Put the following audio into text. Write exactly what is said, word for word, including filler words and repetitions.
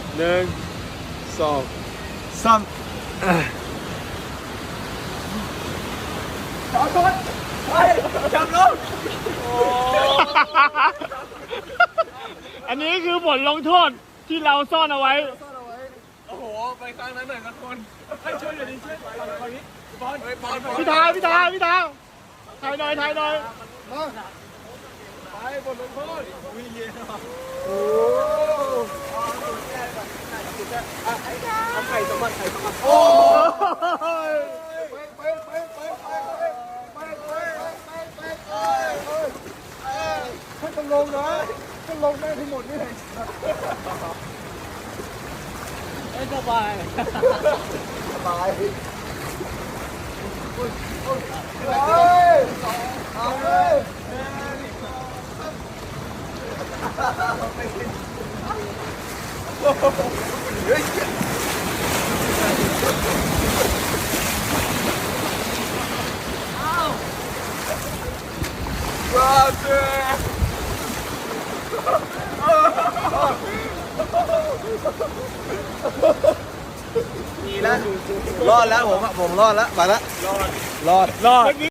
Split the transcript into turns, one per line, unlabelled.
หนึ่งสองสามจอดรถไปจับรถ
อันนี้คือผลลงโทษที่เราซ่อนเอาไว้
โอ้โหไปครั้งนั้นหน่อยนะคนให้ช่วยหน่อยดิช่วยไปตอนนี้บอลบอล
พี่ทาพี่ทาพี่ทาถ่ายหน่อยถ่ายหน่อย
ไปบทลงโทษวิ่งเย็นโอ้เอาไข่สมัครไข่สมัครโอ้ไปไปไปไปไปไปไปไปไปให้ต้องลงนะต้องลงได้ทั้งหมดนี่เลย
ไม่สบาย
สบายเฮ้ยเอาเลยเฮ้ยว้าวเจ้ดีแล้วรอดแล้วผมผมรอดแล้วไปแล้วรอดรอดรอด